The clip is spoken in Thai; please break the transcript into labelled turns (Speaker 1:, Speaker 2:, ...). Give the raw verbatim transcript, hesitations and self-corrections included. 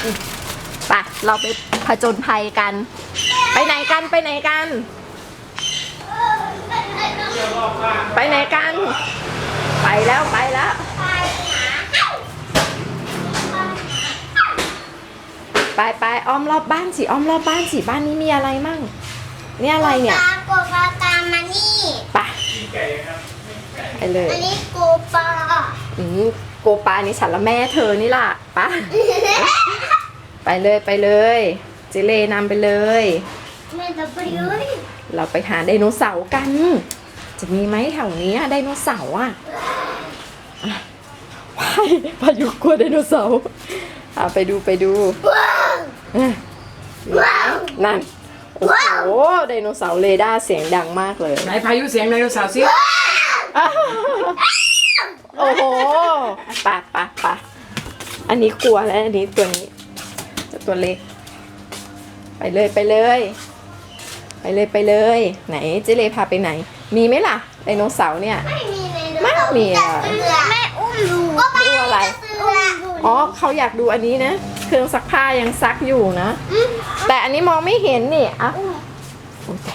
Speaker 1: ไปเราไปผจญภัยกัน ไปไหนกันไปไหนกัน ไปไหนกัน ไปแล้วไปแล้วไปไปอ้อมรอบบ้านสิอ้อมรอบบ้านสิบ้านนี้มีอะไรมั่งนี่อะไรเนี่ย
Speaker 2: โกปลาตามมานี่
Speaker 1: ไปไปเลย
Speaker 2: อันนี้โกปลา
Speaker 1: อืมโกปานี่ฉันละแม่เธอนี่ล่ะปะ ไปเลยไปเลยเจเลนำไปเลย
Speaker 2: แม่จะไปเลย
Speaker 1: เราไปหาไดโนเสาร์กัน จะมีไหมแถวนี้ไดโนเสาร์อ่ะอ่ะว้ายพายุกลัวไดโนเสาร์อ่ะไปดูไปดู
Speaker 2: ว้าว
Speaker 1: อ่ะ
Speaker 2: ว้าว
Speaker 1: นั่นโอ้โหไดโนเสาร์เรดาร์เสียงดังมากเลย
Speaker 3: ไหนพายุเสียงไดโนเสาร์สิ
Speaker 1: อ้าวโอ้โหปะปะปะอันนี้กลัวแล้วอันนี้ตัวนี้ตัวเล็ก ไปเลยไปเลย ไปเลยไปเลย ไหนเจเลพาไปไหน มีไหมล่ะไดโนเสาร์เนี่ย
Speaker 2: ไม่มีเลย
Speaker 1: ไม่มีอะ
Speaker 2: แม่อุ้มดูก็
Speaker 1: ดูอะไร อ๋อเขาอยากดูอันนี้นะ เครื่องซักผ้ายังซักอยู่นะ แต่อันนี้มองไม่เห็นนี่อ่ะ